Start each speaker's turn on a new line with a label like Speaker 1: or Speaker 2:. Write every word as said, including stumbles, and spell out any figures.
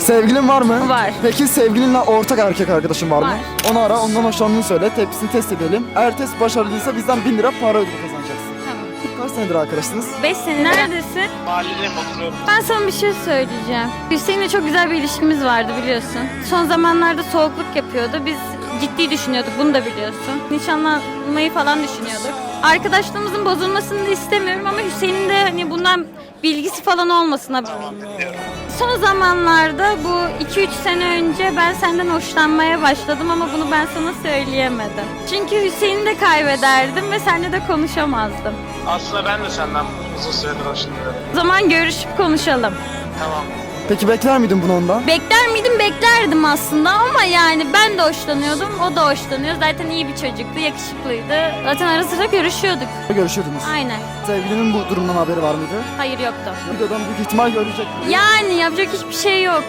Speaker 1: Sevgilin var mı?
Speaker 2: Var.
Speaker 1: Peki sevgilinle ortak erkek arkadaşın var mı?
Speaker 2: Var.
Speaker 1: Onu ara, ondan hoşlandığını söyle, tepkisini test edelim. Eğer test başarılıysa bizden bin lira para ödülü kazanacaksın.
Speaker 2: Tamam.
Speaker 1: Kaç senedir arkadaşsınız?
Speaker 2: beş sene. Neredesin?
Speaker 3: Mahalledeyim, oturuyorum.
Speaker 2: Ben sana bir şey söyleyeceğim. Hüseyin'le çok güzel bir ilişkimiz vardı biliyorsun. Son zamanlarda soğukluk yapıyordu. Biz ciddi düşünüyorduk, bunu da biliyorsun. Nişanlanmayı falan düşünüyorduk. Arkadaşlığımızın bozulmasını da istemiyorum ama Hüseyin'in de hani bundan bilgisi falan olmasına. Son zamanlarda bu iki üç sene önce ben senden hoşlanmaya başladım ama bunu ben sana söyleyemedim. Çünkü Hüseyin'i de kaybederdim ve seninle de konuşamazdım.
Speaker 3: Aslında ben de senden uzun süredir hoşlanıyorum.
Speaker 2: O zaman görüşüp konuşalım.
Speaker 3: Tamam.
Speaker 1: Peki bekler miydin bunu ondan?
Speaker 2: Bekler miydim? Beklerdim aslında ama yani ben de hoşlanıyordum, o da hoşlanıyor. Zaten iyi bir çocuktu, yakışıklıydı. Zaten ara sıra görüşüyorduk.
Speaker 1: Görüşüyordunuz.
Speaker 2: Aynen.
Speaker 1: Sevgilinin bu durumdan haberi var mıydı?
Speaker 2: Hayır yoktu.
Speaker 1: Videodan büyük ihtimal görecek.
Speaker 2: Yani yapacak hiçbir şey yok.